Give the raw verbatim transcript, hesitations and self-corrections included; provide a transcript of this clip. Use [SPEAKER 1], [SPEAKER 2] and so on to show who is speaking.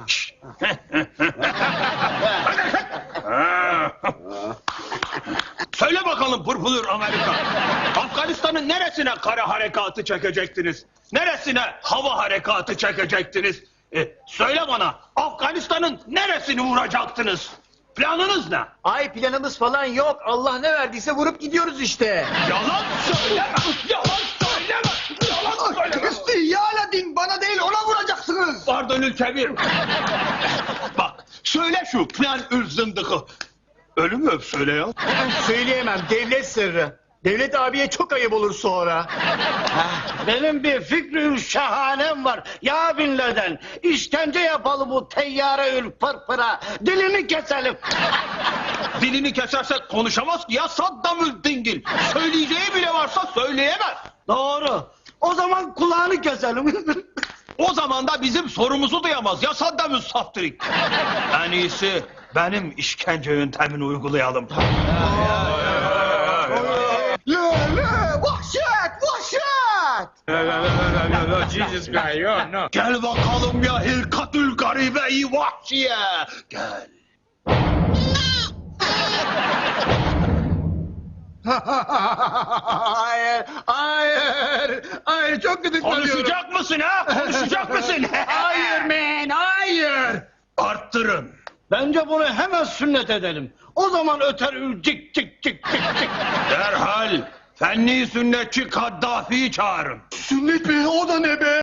[SPEAKER 1] Söyle bakalım Pırpılır Amerika. Afganistan'ın neresine kara harekatı çekecektiniz? Neresine hava harekatı çekecektiniz? E, söyle bana, Afganistan'ın neresini vuracaktınız? Planınız ne?
[SPEAKER 2] Ay planımız falan yok. Allah ne verdiyse vurup gidiyoruz işte.
[SPEAKER 1] Yalan söyleme! Yalan söyleme! Yalan söyleme!
[SPEAKER 3] İstihya din bana değil ona vuracaksınız.
[SPEAKER 1] Pardon Ülkebir. Bak, söyle şu plan ül zındıkı. Ölü mü öp söyle ya?
[SPEAKER 2] Söyleyemem, devlet sırrı. Devlet abiye çok ayıp olur sonra.
[SPEAKER 4] Benim bir fikri şahanem var. Ya Bin Laden, işkence yapalım bu teyyare ül pırpıra. Dilini keselim.
[SPEAKER 1] Dilini kesersek konuşamaz ki ya Saddamül Dingil. Söyleyeceği bile varsa söyleyemez.
[SPEAKER 4] Doğru. O zaman kulağını keselim.
[SPEAKER 1] O zaman da bizim sorumuzu duyamaz ya Saddamül Saftirik. En iyisi benim işkence yöntemini uygulayalım.
[SPEAKER 3] Le le vahşet vahşet.
[SPEAKER 5] Jesus Christ, yo, no.
[SPEAKER 1] Gel bakalım ya hilkatül garibe-i vahşiye. Gel.
[SPEAKER 2] Hayır, hayır, hayır çok gıdıklanıyorum.
[SPEAKER 1] Konuşacak mısın ha? Konuşacak mısın?
[SPEAKER 2] Hayır man, hayır.
[SPEAKER 1] Arttırın.
[SPEAKER 4] Bence bunu hemen sünnet edelim. O zaman öter ül cik cik cik cik cik.
[SPEAKER 1] Derhal fenni sünnetçi Kaddafi'yi çağırın.
[SPEAKER 3] Sünnet mi o da ne be?